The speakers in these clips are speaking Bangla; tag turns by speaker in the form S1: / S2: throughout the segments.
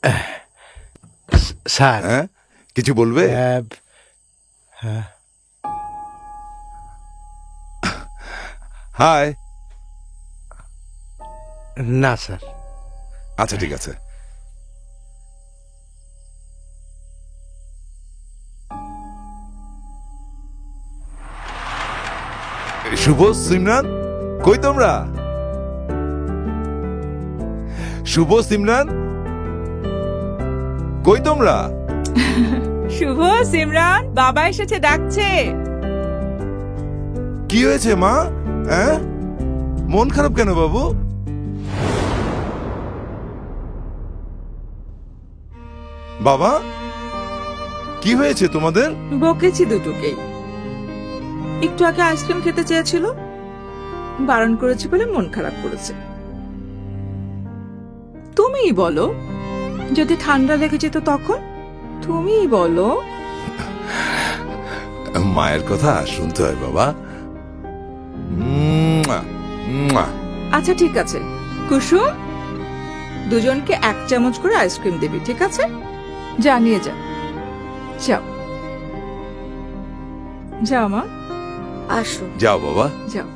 S1: স্যার
S2: হ্যাঁ, কিছু বলবে? হাই।
S1: না স্যার।
S2: আচ্ছা, ঠিক আছে। শুভ, সিমরান, কই তোমরা? শুভ, সিমরান, কই তোমরা?
S3: শুভ, সিমরান, বাবা এসেছে, ডাকছে।
S2: কি হয়েছে মা? হ্যাঁ, মন খারাপ কেন বাবু? বাবা, কি হয়েছে তোমাদের?
S3: বকেছি দুটোকেই। একটু আগে আইসক্রিম খেতে চেয়েছিল, বারণ করেছি বলে মন খারাপ করেছে। তুমিই বলো, যদি ঠান্ডা লেগে যেত তখন? তুমিই বলো।
S2: মায়ের কথা শুনতে হয় বাবা। মুয়া, মুয়া।
S3: আচ্ছা ঠিক আছে কুসুম, দুজনকে 1 চামচ করে আইসক্রিম দিবি, ঠিক আছে? জানিয়ে যা। যাও যাও মা, আসো,
S2: যাও বাবা।
S3: যাও।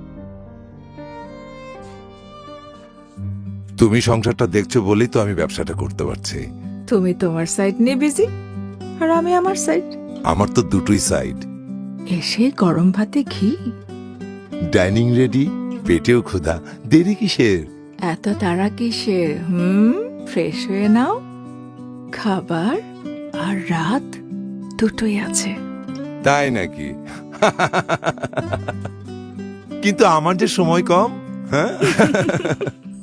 S2: তুমি সংসারটা দেখছো বলেই তো আমি ব্যবসাটা করতে পারছি।
S3: তুমি তোমার সাইড নিয়ে বিজি, আর আমি আমার সাইড।
S2: আমার তো দুটোই সাইড।
S3: এসে গরম ভাতে ঘি,
S2: ডাইনিং রেডি, পেটেও ক্ষুধা, দেরি কিসের?
S3: এত তাড়া কিসের? ফ্রেশ হয়ে নাও, খাবার আর রাত দুটোই আছে।
S2: তাই নাকি? কিন্তু আমার যে সময় কম। হ্যাঁ